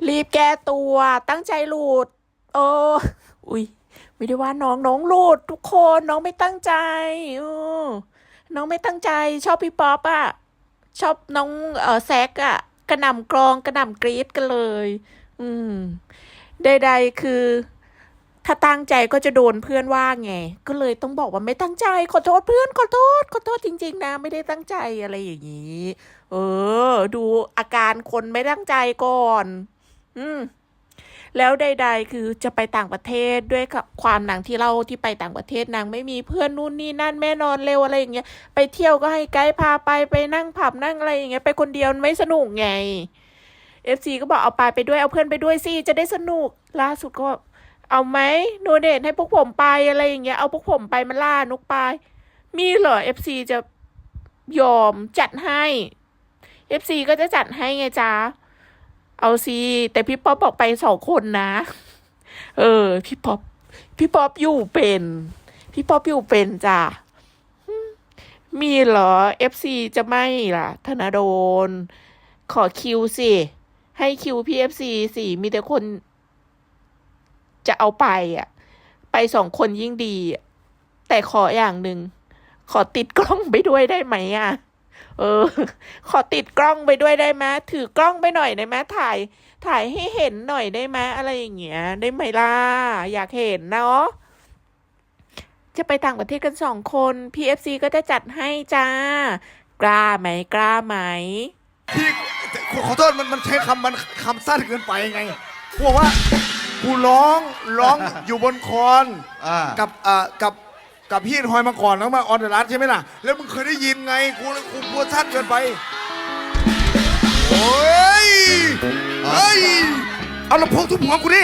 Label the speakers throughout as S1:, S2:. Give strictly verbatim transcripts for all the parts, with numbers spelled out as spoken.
S1: รีบแก้ตัวตั้งใจหลุดโอ้อุ้ยไม่ได้ว่าน้องน้องหลุดทุกคนน้องไม่ตั้งใจเออน้องไม่ตั้งใจชอบพี่ป๊อปอะชอบน้องเออแซกอะกระหน่ำกรองกระหน่ำกรี๊ดกันเลยอืมใดๆคือถ้าตั้งใจก็จะโดนเพื่อนว่าไงก็เลยต้องบอกว่าไม่ตั้งใจขอโทษเพื่อนขอโทษขอโทษจริงๆนะไม่ได้ตั้งใจอะไรอย่างนี้เออดูอาการคนไม่ตั้งใจก่อนอืมแล้วใดๆคือจะไปต่างประเทศด้วยความนางที่เล่าที่ไปต่างประเทศนางไม่มีเพื่อนนู่นนี่นั่นแม่นอนเร็วอะไรอย่างเงี้ยไปเที่ยวก็ให้ไกด์พาไปไปนั่งผับนั่งอะไรอย่างเงี้ยไปคนเดียวไม่สนุกไงเอฟซีก็บอกเอาไปไปด้วยเอาเพื่อนไปด้วยสิจะได้สนุกล่าสุดก็เอาไหมโนเดทให้พวกผมไปอะไรอย่างเงี้ยเอาพวกผมไปมาล่านกไปมีเหรอเอฟซีจะยอมจัดให้เอฟซีก็จะจัดให้ไงจ๊ะเอาสิแต่พี่ป๊อปบอกไปสองคนนะเออพี่ป๊อปพี่ป๊อปอยู่เป็นพี่ป๊อปอยู่เป็นจ้ะมีเหรอเอฟซีจะไม่ล่ะธนาโดนขอคิวสิให้คิวพี่เอฟซีสิมีแต่คนจะเอาไปอ่ะไปสองคนยิ่งดีแต่ขออย่างหนึ่งขอติดกล้องไปด้วยได้ไหมอ่ะเออขอติดกล้องไปด้วยได้ไหมถือกล้องไปหน่อยได้ไหมถ่ายถ่ายให้เห็นหน่อยได้ไหมอะไรอย่างเงี้ยได้ไหมล่ะอยากเห็นเนาะจะไปต่างประเทศกันสองคน พี เอฟ ซี ก็จะจัดให้จ้ากล้าไหมกล้าไหม
S2: พี่ขอโทษมันมันใช้คำมันคำสั้นเกินไปไงพวกว่ากูร้องร้องอยู่บนคอนกับอ่ากับกับพี่ทอยมาก่อนแล้วมาออนเดอะรัสใช่ไหมล่ะแล้วมึงเคยได้ยินไงกูกูกลัวสั้นเกินไปโอ้ยเฮ้ยเอาลำโพงทุบหัวกูดิ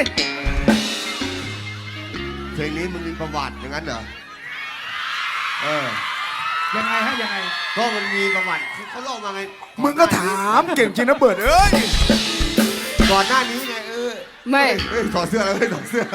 S3: เพลงนี้มึงมีประวัติอย่างนั้นเหรอเออ
S4: ยังไงฮะยังไง
S3: ก็มันมีประวัติเขาเล่ามาไง
S2: มึงก็ถามเก่งจริงนะเบิร์ดเอ้ย
S3: ก่อนหน้านี้ไงเออ
S5: ไม่
S3: เฮ้ยถอดเสื้อแล้วเฮ้ยถอดเสื้อ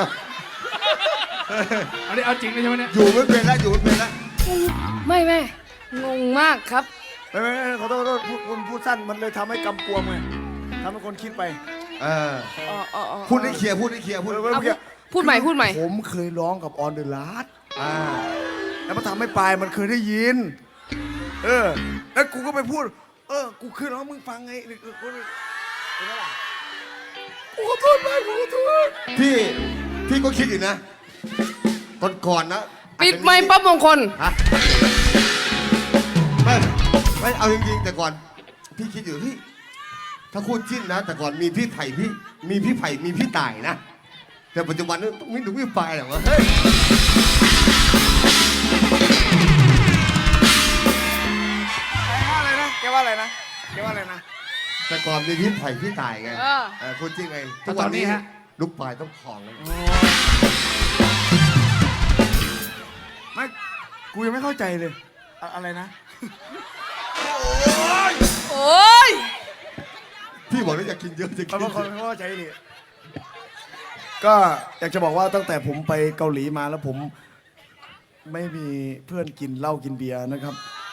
S4: อันนี้เอาจริงเลยใช่ไหมเนี่ย
S3: อยู่ไม่เป็นแล้วอยู่ไม่เป็นแล้ว
S5: ไม่ไม่งงมากครับ
S2: ไม่ไม่ขอโทษขอโทษพูดพูดสั้นมันเลยทำให้กำกวมไงทำให้คนคิดไป
S3: เออพูดให้เคลียร์พูดให้เคลียร์พูดให้เคลียร์
S5: พูดใหม่พูดใหม่
S2: ผมเคยร้องกับออนเดอะลัสอ่าแล้วมันทำให้ปลายมันเคยได้ยินเออแล้วกูก็ไปพูดเออกูเคยร้องมึงฟังไงกูกูกูขอโทษไปกูขอโทษ
S3: พี่พี่ก็คิดอยู่นะก่อนก่อนนะ
S5: ปิดไมค์ปั๊บมงคล
S3: ฮะไม่ไม่เอาจริงๆแต่ก่อนพี่คิดอยู่พี่ถ้าคู่จิ้นนะแต่ก่อนมีพี่ไผ่พี่มีพี่ไผ่มีพี่ต่ายนะแต่ปัจจุบันนี้ต้องมีหนุ่มพี่ปลายหรอวะเฮ้ย
S2: อะไรนะแกว่าอะไรนะแกว่าอะไรนะ
S3: แต่ก่อนมีพี่ไผ่พี่ต่ายไงเออคู่จิ้นไง
S4: ทุกวันนี้ฮะ
S3: ลูกปลายต้องของเลย
S2: ไม่กูยังไม่เข้าใจเลยอะไรนะ
S5: โอ้ย
S3: พี่บอกว่าอยากกินเยอะจะกิน
S2: เขาเขาเข้าใจดิก็อยากจะบอกว่าตั้งแต่ผมไปเกาหลีมาแล้วผมไม่มีเพื่อนกินเหล้ากินเบียร์นะครับ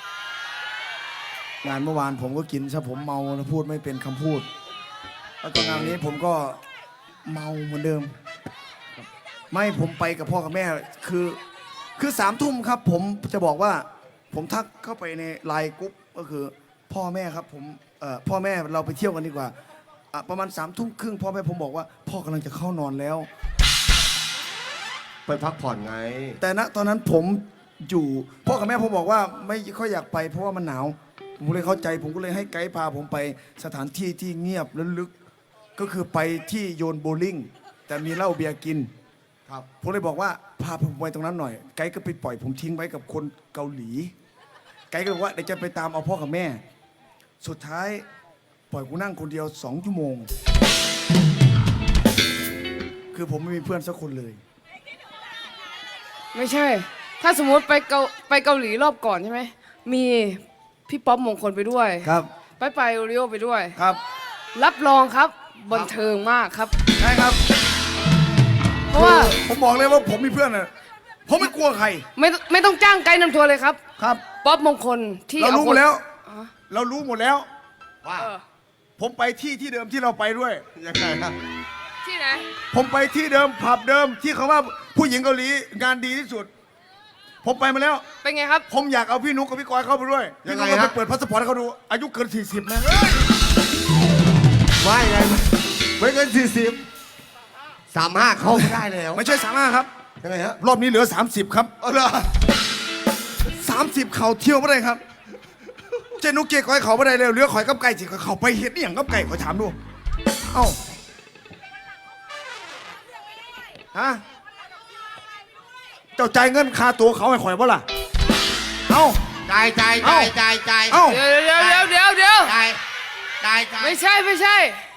S2: งานเมื่อวานผมก็กินซะผมเมาแล้วพูดไม่เป็นคำพูดแล้วก็งานนี้ผมก็เมาเหมือนเดิมไม่ผมไปกับพ่อกับแม่คือคือสามทุ่มครับผมจะบอกว่าผมทักเข้าไปในไลน์กรุ๊ปก็คือพ่อแม่ครับผมเอ่อพ่อแม่เราไปเที่ยวกันดีกว่าประมาณสามทุ่มครึ่งพ่อแม่ผมบอกว่าพ่อกำลังจะเข้านอนแล้ว
S3: ไปพักผ่อนไง
S2: แต่ณตอนนั้นผมอยู่พ่อกับแม่ผมบอกว่าไม่ค่อยอยากไปเพราะว่ามันหนาวผมเลยเข้าใจผมก็เลยให้ไกด์พาผมไปสถานที่ที่เงียบและลึกก็คือไปที่โยนโบลิ่งแต่มีเหล้าเบียร์กินครับผมเลยบอกว่าพาผมไปตรงนั้นหน่อยไกด์ก็ไปปล่อยผมทิ้งไว้กับคนเกาหลีไกด์ก็บอกว่าเดี๋ยวจะไปตามเอาพ่อกับแม่สุดท้ายปล่อยกูนั่งคนเดียวสองชั่วโมงคือผมไม่มีเพื่อนสักคนเลย
S5: ไม่ใช่ถ้าสมมติไปเกาไปเกาหลีรอบก่อนใช่ไหมมีพี่ป๊อปมงคลไปด้วย
S2: ครับ
S5: ไปไปโอริโอไปด้วย
S2: ครับ
S5: รับรองครับบันเทิงมากครับ
S2: ใช่ครับ
S5: เพราะว่า
S2: ผมบอกเลยว่าผมมีเพื่อนนะผมไม่กลัวใคร
S5: ไม่ไม่ต้องจ้างไกด์นำทัวร์เลยครับ
S2: ครับ
S5: ป๊อปมงคลที่
S2: เรารู้หมดแล้วเรารู้หมดแล้ว
S3: ว่า
S2: ผผมไปที่ที่เดิมที่เราไปด้วย
S3: ยังไงครับ
S5: ที่ไหน
S2: ผมไปที่เดิมผับเดิมที่เขาว่าผู้หญิงเกาหลีงานดีที่สุด ผมไปมาแล้ว
S5: เป็นไงครับ
S2: ผมอยากเอาพี่นุ๊กกับพี่กอยเข้าไปด้วยพี่นุ๊กก็ไปเปิดพาสปอร์ตให้เขาดูอายุเกินสี่สิบนะ
S3: ว่ายังไงไม่เกินสี่สิบสามห้าเข้าไม่ได้แล้ว
S2: ไม่ใช่สามารถครับ
S3: ยังไงฮะ
S2: รอบนี้เหลือ สามสิบ ครับ
S3: เอาเหรอ
S2: สามสิบเขาเที่ยวไม่ได้ครับ เจนุกเกก้อยเขาไม่ได้เลยเหลือข่อยกับไก่สิเขาไปเฮ็ดนี่อย่างกับไก่ขอถามดูเอ้าฮะเจ้าจ่ายเงินค่าตัวเขาให้ข่อยบ่ล่ะเอ้า
S3: จ่ายจ่ายจ่ายจ่ายจ่าย
S2: เอ้า
S5: เดี๋ยวเดี๋ยวเดี๋ยวเดี๋ยวเดี๋ยว
S3: จ่ายจ่ายจ่าย
S5: ไม่ใช่ไม่ใช่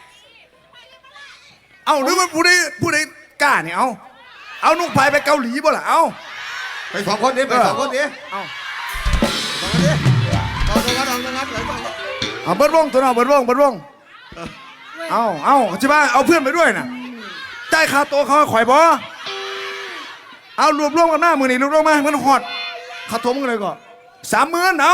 S2: เอ้าหรือว่าผู้ใดผู้ใดกล้าเนี่ยเอาเอานุกไปไปเกาหลีบ่ล่ะเอ้า
S3: ไปสองคนนี้ไปสองคนนี้
S2: เอ้า
S3: สองคนนี้เอาตรงนั้นเอาตรงนั้นเอาตรงนั้น
S2: เอาเบิดวงตัวน้องเบิดวงเบิดวงเอาเอาใช่ป่ะเอาเพื่อนไปด้วยน่ะจ่ายค่าตัวเขาให้ข่อยบ่เอารวบรวมกันหน้ามือนี่รวบรวมมาให้มันหอดค่าตัวมึงเลยก่อนสามหมื่นเอา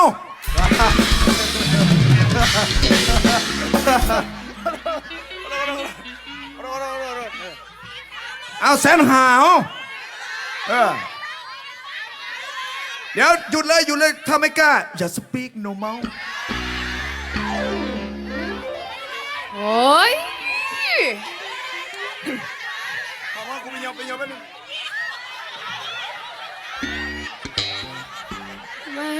S2: เอาแสนหาเอาเออเดี๋ยวหยุดเลยหยุดเลยถ้าไม่กล้าอย่าสปีกโนเมา
S5: โอ้ย
S2: ขอว่ากูไปยอมไปยอมไปหนึ่ง
S5: แหม่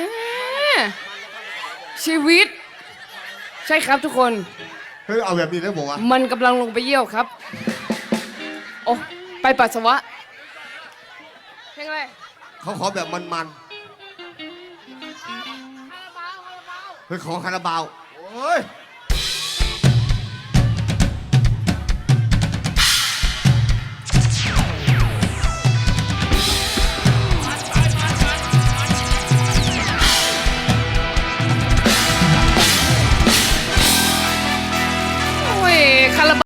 S5: ชีวิต ใช่ครับทุกคน
S3: เฮ้ยเอาแบบนี้แล้วบอกว่า
S5: มันกำลังลงไปเยี่ยวครับ โอ้ไปปัสสาวะเพลงอะไร
S3: เขาขอแบบมันๆเฮ้ยขอคาราบาวโอ้ย